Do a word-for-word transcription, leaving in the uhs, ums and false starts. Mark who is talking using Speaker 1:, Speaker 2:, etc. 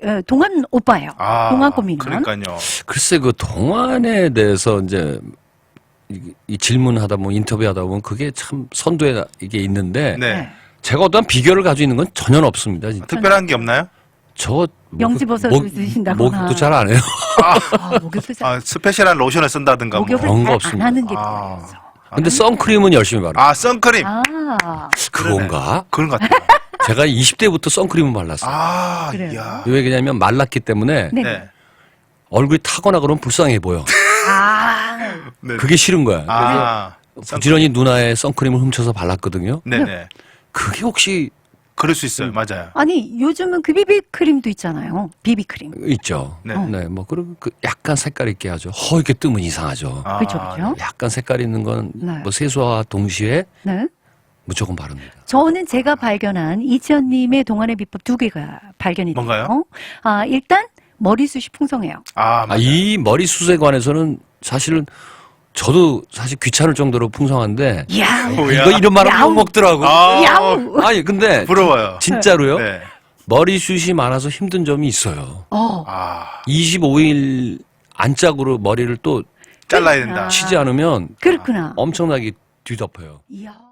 Speaker 1: 어, 동안 오빠예요.
Speaker 2: 아,
Speaker 1: 동안 고민은.
Speaker 2: 그러니까요.
Speaker 3: 글쎄 그 동안에 대해서 이제 이, 이 질문하다 보면 인터뷰하다 보면 그게 참 선두에 이게 있는데
Speaker 2: 네.
Speaker 1: 네.
Speaker 3: 제가 어떠한 비결을 가지고 있는 건 전혀 없습니다. 진짜.
Speaker 2: 특별한 게 없나요?
Speaker 3: 저
Speaker 1: 명지버섯을 드신다거나.
Speaker 3: 목욕도 잘 안 해요.
Speaker 1: 아, 목욕도 잘,
Speaker 2: 아, 스페셜한 로션을 쓴다든가 뭐.
Speaker 1: 목욕을
Speaker 3: 그런 거
Speaker 1: 잘 안
Speaker 3: 없습니다.
Speaker 1: 하는 게
Speaker 2: 아.
Speaker 1: 필요해서.
Speaker 3: 근데 선크림은 열심히 바르고
Speaker 2: 아, 선크림.
Speaker 1: 아,
Speaker 3: 그건가?
Speaker 2: 그런 것 같아요.
Speaker 3: 제가 이십 대부터 선크림을 발랐어요.
Speaker 2: 아,
Speaker 1: 그래요?
Speaker 2: 이야.
Speaker 3: 왜 그러냐면 말랐기 때문에
Speaker 1: 네.
Speaker 2: 네.
Speaker 3: 얼굴이 타거나 그러면 불쌍해 보여.
Speaker 1: 아,
Speaker 2: 네.
Speaker 3: 그게 싫은 거야.
Speaker 2: 아,
Speaker 3: 그래서 부지런히 누나의 선크림을 훔쳐서 발랐거든요.
Speaker 2: 네네.
Speaker 3: 그게 혹시
Speaker 2: 그럴 수 있어요. 맞아요.
Speaker 1: 아니 요즘은 그 비비크림도 있잖아요. 비비크림.
Speaker 3: 있죠.
Speaker 2: 네.
Speaker 3: 네, 뭐 그리고 그 약간 색깔 있게 하죠. 허옇게 뜨면 이상하죠.
Speaker 2: 아,
Speaker 1: 그렇죠, 그렇죠.
Speaker 3: 약간 색깔 있는 건
Speaker 1: 네.
Speaker 3: 뭐 세수와 동시에
Speaker 1: 네.
Speaker 3: 무조건 바릅니다.
Speaker 1: 저는 제가 발견한 이지연님의 동안의 비법 두 개가 발견이 돼요.
Speaker 2: 뭔가요?
Speaker 1: 아, 일단 머리숱이 풍성해요.
Speaker 2: 아,
Speaker 3: 아,
Speaker 2: 맞아요.
Speaker 3: 이 머리숱에 관해서는 사실은 저도 사실 귀찮을 정도로 풍성한데
Speaker 1: 야우,
Speaker 2: 뭐야?
Speaker 3: 이거 이런 말하면
Speaker 1: 야우.
Speaker 3: 욕 먹더라고.
Speaker 2: 아,
Speaker 1: 야우.
Speaker 3: 아니 근데
Speaker 2: 부러워요.
Speaker 3: 진짜로요?
Speaker 2: 네.
Speaker 3: 머리숱이 많아서 힘든 점이 있어요.
Speaker 1: 어,
Speaker 2: 아,
Speaker 3: 이십오 일 안짝으로 머리를 또
Speaker 2: 잘라야
Speaker 1: 그러니까.
Speaker 2: 된다.
Speaker 3: 치지 않으면
Speaker 1: 그렇구나.
Speaker 3: 엄청나게 뒤덮어요.
Speaker 1: 이야.